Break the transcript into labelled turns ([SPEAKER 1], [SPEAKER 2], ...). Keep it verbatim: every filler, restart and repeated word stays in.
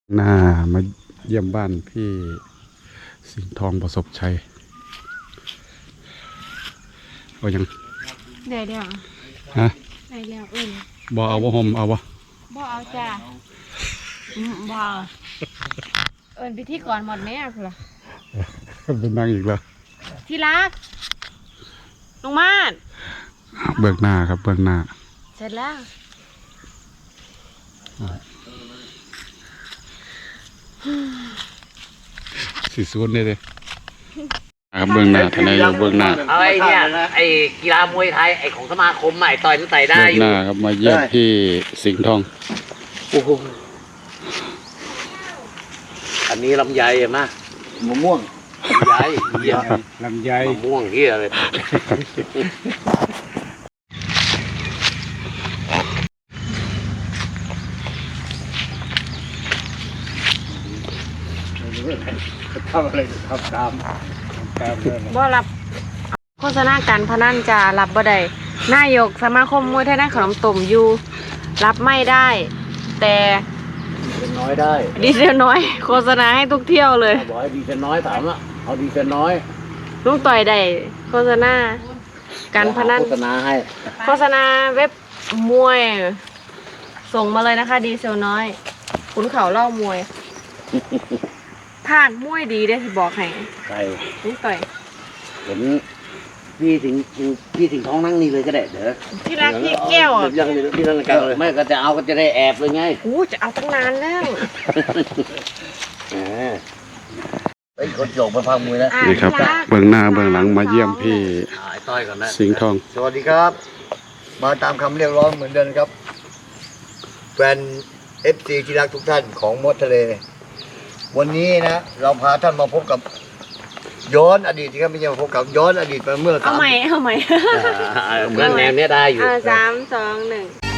[SPEAKER 1] หน้ามาเยี่ยมบ้านพี่สิงห์ทองประสบชัยเอายัง
[SPEAKER 2] ได้เดียว
[SPEAKER 1] ฮะ
[SPEAKER 2] ได้แล้วเอิ้น
[SPEAKER 1] บ่เอาบ่ห่มเอาบ่
[SPEAKER 2] บ่เอาจ้าบ่เอิ้นพิธีกรหมดแม่พุ่นล่ะ
[SPEAKER 1] เป็นนางอีกแล้ว
[SPEAKER 2] ที่รักลงมาด
[SPEAKER 1] เบื้องหน้าครับเบื้องหน้า
[SPEAKER 2] เสร็จแล้ว
[SPEAKER 1] สีสูนนี่เลยครับเบื้องหน้าทนายอยู่เบื้องหน้า
[SPEAKER 3] เอาไอ้เนี่ยไอ้กีฬามวยไทยไอ้ของสมาคมใหม่ต่อยนั่นใส่ได้อยู่
[SPEAKER 1] เบื้องหน้าครับมาเยี่ยมพี่สิงห์ทอง
[SPEAKER 3] โอ้โหอันนี้ลำไยเห็นไหมมะม่วงลำไย
[SPEAKER 1] ลำไย
[SPEAKER 3] มะม่วงเฮียเลย
[SPEAKER 1] ทำอะไรทำตามตาม
[SPEAKER 2] บ่รับโฆษณาการพนันจะรับบ่ได้นายกสมาคมมวยไทยในขนมต้มอยู่รับไม่ได้แต่
[SPEAKER 3] ดีเซลน้อยได้
[SPEAKER 2] ดีเซลน้อยโฆษณาให้ทุกเที่ยวเลย
[SPEAKER 3] บอกให้ดีเซลน้อยถามอ่ะเอาดีเซลน้อย
[SPEAKER 2] ลุงต่อยได้โฆษณาการพนัน
[SPEAKER 3] โฆษณาให้
[SPEAKER 2] โฆษณาเว็บมวยส่งมาเลยนะคะดีเซลน้อยขุนเขาเล่ามวยภาคมวยดีได้สิบอกให้
[SPEAKER 3] ใช่
[SPEAKER 2] ลุงต่อย
[SPEAKER 3] เห็นพี่ถึงพี่ถึงท้องนั่งนี่เลยก็ได้เด้อ
[SPEAKER 2] ที่รักพี่แก้วอ่ะ
[SPEAKER 3] ยังที่นั่นกันเลยไม่ก็จะเอาก็จะได้แอบเลยไง
[SPEAKER 2] โอ้จะเอาตั้งนานแล้ว
[SPEAKER 3] ไอ้คนโจกมาพังมวยแล้ว
[SPEAKER 1] นี่ครับเบื้องหน้าเบื้องหลังมาเยี่ยมพี่สิงห์ทอง
[SPEAKER 4] สวัสดีครับมาตามคำเรียกร้องเหมือนเดิมครับแฟน เอฟ ซี ที่รักทุกท่านของมดทะเลวันนี้นะเราพาท่านมาพบกับย้อนอดีตครับไม่ใช่มาพบกับย้อนอดีตมาเมื่อ
[SPEAKER 2] เอาใหม่เอาใหม่
[SPEAKER 3] เหมือนแนวเนี้ยได้อยู่
[SPEAKER 2] สามสองหนึ่ง